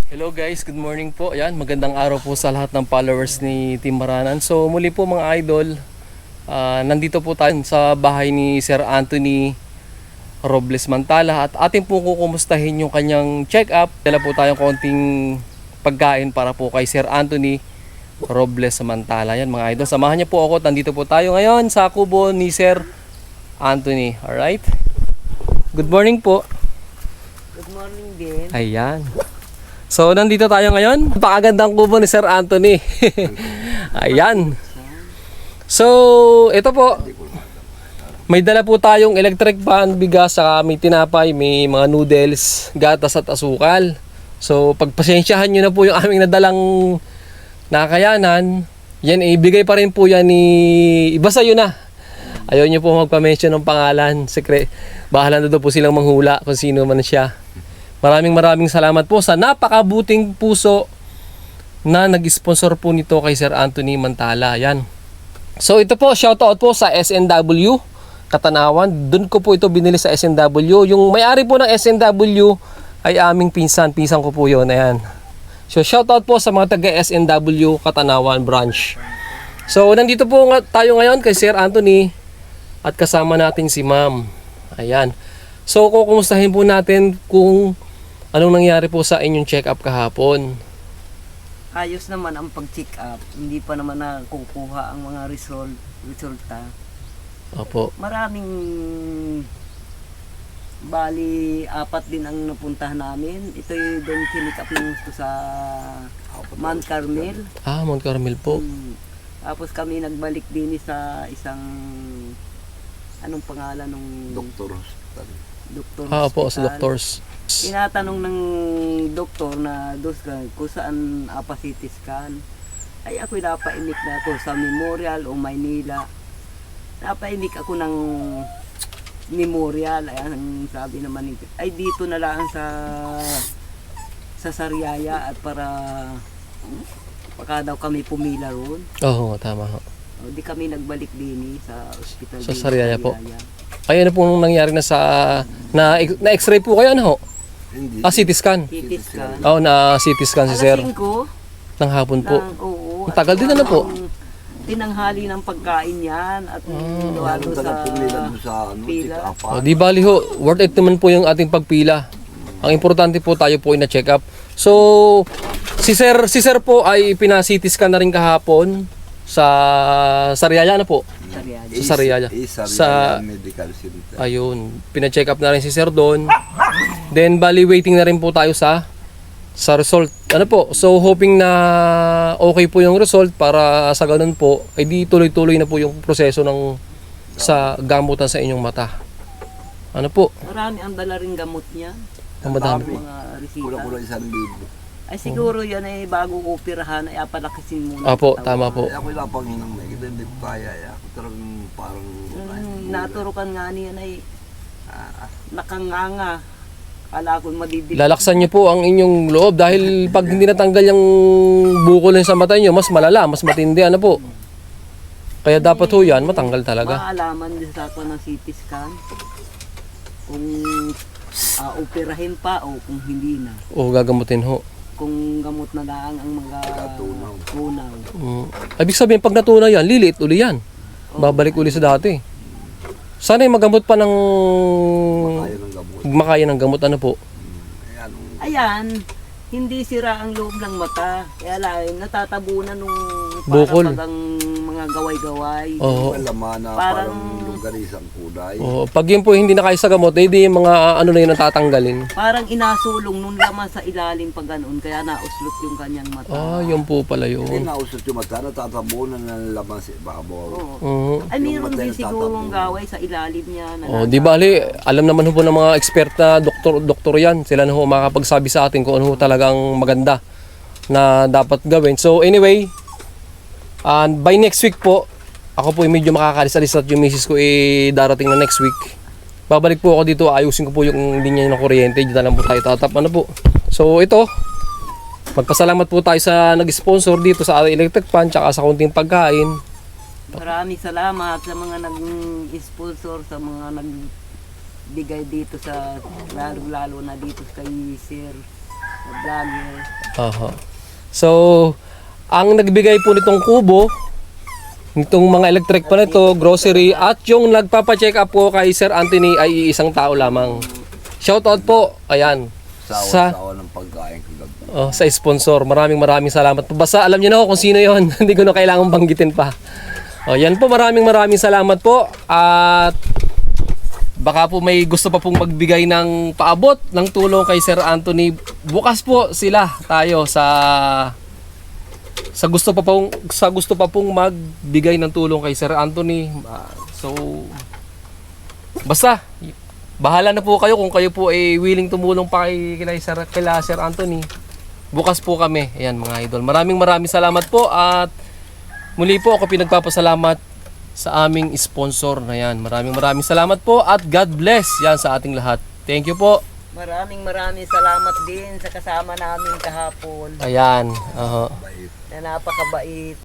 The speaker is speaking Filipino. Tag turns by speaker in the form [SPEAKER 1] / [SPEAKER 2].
[SPEAKER 1] Hello guys, good morning po. Ayan, magandang araw po sa lahat ng followers ni Team Maranan. So muli po mga idol, nandito po tayo sa bahay ni Sir Anthony Robles Mantala at atin po kukumustahin yung kanyang check-up. Dala po tayong konting pagkain para po kay Sir Anthony Robles Mantala. Yan mga idol, samahan niyo po ako. Nandito po tayo ngayon sa kubo ni Sir Anthony. Alright? Good morning po.
[SPEAKER 2] Good morning din.
[SPEAKER 1] Ayan. So, nandito tayo ngayon. Napakagandang kubo ni Sir Anthony. Ayan. So, ito po. May dala po tayong electric fan, bigas, saka may tinapay, may mga noodles, gatas at asukal. So, pagpasensyahan nyo na po yung aming nadalang nakayanan. Yan, ibigay pa rin po yan ni... Iba sa'yo na. Ayaw nyo po magpa-mention ng pangalan. Bahala na doon po silang manghula kung sino man siya. Maraming salamat po sa napakabuting puso na nag-sponsor po nito kay Sir Anthony Mantala. Yan. So ito po, shoutout po sa SNW Katanawan. Doon ko po ito binili sa SNW. Yung may-ari po ng SNW ay aming pinsan. Pinsan ko po yun. Ayan. So shoutout po sa mga taga SNW Katanawan branch. So nandito po tayo ngayon kay Sir Anthony at kasama natin si Ma'am. Ayan. So kukumustahin po natin kung anong nangyari po sa inyong check-up kahapon.
[SPEAKER 2] Ayos naman ang pag-check up. Hindi pa naman nakukuha ang mga resulta.
[SPEAKER 1] Opo.
[SPEAKER 2] Maraming bali, 4 din ang napuntahan namin. Ito yung doon check up ng sa Mount Carmel.
[SPEAKER 1] Mount Carmel po.
[SPEAKER 2] Tapos kami nagbalik din sa isang anong pangalan ng
[SPEAKER 3] Doktor Hospital.
[SPEAKER 2] doktor
[SPEAKER 1] Opo, sa
[SPEAKER 2] hospital.
[SPEAKER 1] doctors.
[SPEAKER 2] Tinatanong ng doktor na kung saan CT scan. Ay ako napainik na ako sa Memorial o Maynila. Napainik ako ng Memorial. Ay ang sabi naman nito, ay dito na lang sa Sariaya at para baka daw kami pumila roon.
[SPEAKER 1] Oo, tama ho.
[SPEAKER 2] O, di kami nagbalik din sa ospital.
[SPEAKER 1] Sa Sariaya po. Ay, ano po nung nangyari na na x-ray po kayo, ano ho?
[SPEAKER 3] Hindi.
[SPEAKER 1] CT scan.
[SPEAKER 2] CT scan.
[SPEAKER 1] Oo, na CT scan si Sir.
[SPEAKER 2] Alas 5
[SPEAKER 1] Ng hapon po.
[SPEAKER 2] Oo.
[SPEAKER 1] Ang tagal din na po.
[SPEAKER 2] Tinanghali ng pagkain yan at gawa doon
[SPEAKER 3] Sa pumila doon sa
[SPEAKER 2] pila.
[SPEAKER 1] O, di bali ho, worth it naman po yung ating pagpila. Ang importante po tayo po ay na-check up. So, si Sir po ay pina-CT scan na rin kahapon sa Sariaya na po.
[SPEAKER 2] Sariaya.
[SPEAKER 1] Sa Sariaya.
[SPEAKER 3] Sa Medical Center.
[SPEAKER 1] Ayun, pina-check up na rin si Sir doon. Then bali waiting na rin po tayo sa result. Ano po? So hoping na okay po yung result para sa ganun po ay di tuloy-tuloy na po yung proseso ng sa gamutan sa inyong mata. Ano po?
[SPEAKER 2] Marami ang dala rin gamot niya.
[SPEAKER 1] Ang madami.
[SPEAKER 2] Mga resita.
[SPEAKER 3] Kulang-kulang 1,000.
[SPEAKER 2] Ay siguro yan ay bago operahan ay apalakisin muna.
[SPEAKER 1] Apo,
[SPEAKER 2] ang
[SPEAKER 1] tama
[SPEAKER 2] katawan.
[SPEAKER 1] po.
[SPEAKER 3] Ako yung lapanghinang na. Hindi ko kaya. Ako talagang parang...
[SPEAKER 2] Naturukan nga niyan ay nakanganga. Kala ko madidikit.
[SPEAKER 1] Lalaksan niyo po ang inyong loob dahil pag hindi natanggal yung bukol sa mata niyo, mas malala, mas matindi ano po. Kaya dapat ho yan, matanggal talaga.
[SPEAKER 2] Maalaman din sa ako ng CT scan kung operahin pa o kung hindi na.
[SPEAKER 1] O gagamutin ho.
[SPEAKER 2] Kung gamot na lang ang mga tunaw.
[SPEAKER 1] Ibig sabihin, pag natunaw yan, liliit uli yan. Babalik uli sa dati. Sana yung magamot pa ng...
[SPEAKER 3] Kaya ng gamot.
[SPEAKER 1] Makaya ng gamot, ano po?
[SPEAKER 3] Ayan.
[SPEAKER 2] Ayan, hindi sira ang loob ng mata. Kaya lang, natatabunan nung
[SPEAKER 1] Bukol.
[SPEAKER 2] para ang mga gaway-gaway.
[SPEAKER 1] Oo.
[SPEAKER 3] Laman na
[SPEAKER 2] Parang-
[SPEAKER 3] parang longganisang kulay.
[SPEAKER 1] Oo. Pag yun po hindi na kaya sa gamot, eh di yung mga ano na yun natatanggalin.
[SPEAKER 2] Parang inasulong nung laman sa ilalim pag ganoon, kaya nauslot yung kanyang mata.
[SPEAKER 1] Yun po pala
[SPEAKER 3] Hindi
[SPEAKER 1] yun.
[SPEAKER 3] nausot yung mata. Natatabunan ng laman sa ibabaw.
[SPEAKER 2] Oo.
[SPEAKER 1] Oo.
[SPEAKER 2] Ay,
[SPEAKER 3] Yung
[SPEAKER 2] meron
[SPEAKER 3] mata
[SPEAKER 2] din
[SPEAKER 3] yung
[SPEAKER 2] sigurong
[SPEAKER 3] tatabunan.
[SPEAKER 2] gaway sa ilalim niya. Na
[SPEAKER 1] Di bali, alam naman ho po ng mga expert na doktor yan. Sila na ho makakapagsabi sa atin kung ano ho talagang maganda na dapat gawin. So anyway, by next week po, ako po medyo makakalis-alis at yung misis ko darating na next week. Babalik po ako dito, ayusin ko po yung linya ng kuryente. Dito na lang po tayo tatap. Ano po? So ito, magpasalamat po tayo sa nag-sponsor dito sa electric fan tsaka sa konting pagkain.
[SPEAKER 2] Maraming salamat sa mga nag-sponsor, sa mga nagbigay dito sa lalo na dito kay Sir vlogger.
[SPEAKER 1] Oho. So, ang nagbigay po nitong kubo, nitong mga electric pa nito, grocery, at yung nagpapa-check up po kay Sir Anthony ay isang tao lamang. Shoutout po, ayan,
[SPEAKER 3] Sawa ng pagkain kagabi.
[SPEAKER 1] sa sponsor. Maraming salamat po. Basta alam niyo na kung sino yon. Hindi ko na kailangang banggitin pa. Yan po, maraming salamat po. At baka po may gusto pa pong magbigay ng paabot ng tulong kay Sir Anthony. Bukas po tayo sa gusto pa pong magbigay ng tulong kay Sir Anthony. So basta bahala na po kayo kung kayo po ay willing tumulong pa kay Sir Anthony. Bukas po kami. Ayan mga idol. Maraming salamat po at muli po ako pinagpapasalamat sa aming sponsor na yan. Maraming salamat po at God bless yan sa ating lahat. Thank you po.
[SPEAKER 2] Maraming salamat din sa kasama namin kahapon
[SPEAKER 1] Ayan.
[SPEAKER 2] na napakabait.